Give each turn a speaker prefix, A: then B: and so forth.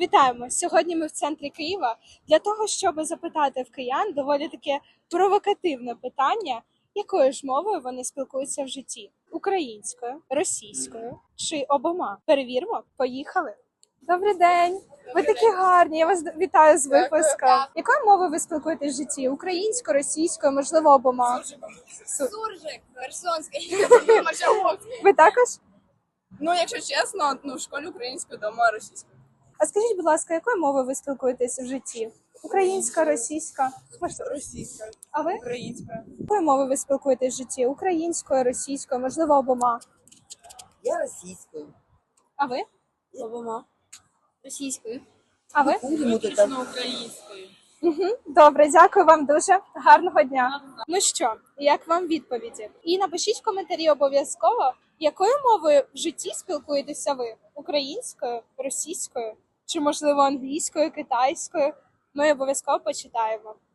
A: Вітаємо! Сьогодні ми в центрі Києва для того, щоб запитати в киян доволі таке провокативне питання, якою ж мовою вони спілкуються в житті: українською, російською чи обома. Перевіримо, поїхали. Добрий день! Ви такі гарні. Я вас вітаю з випуском. Якою мовою ви спілкуєтесь в житті? Українською, російською, можливо, обома?
B: Суржик, Херсонський,
A: Ви також?
B: Ну, якщо чесно, в школі українською, вдома російською.
A: А скажіть, будь ласка, якою мовою ви спілкуєтесь в житті? Українська, російська? Можливо.
B: Російською,
A: А ви?
B: українською.
A: Якою мовою ви спілкуєтесь в житті? Українською, російською, можливо, обома.
C: Я російською.
A: А ви?
B: Обома. Російською.
A: А ви?
C: Будемо тут там.
B: Українською.
A: Добре, дякую вам дуже. Гарного дня. Ну що, як вам відповіді? І напишіть в коментарі обов'язково, якою мовою в житті спілкуєтеся ви? Українською, російською чи, можливо, англійською, китайською? Ми обов'язково почитаємо.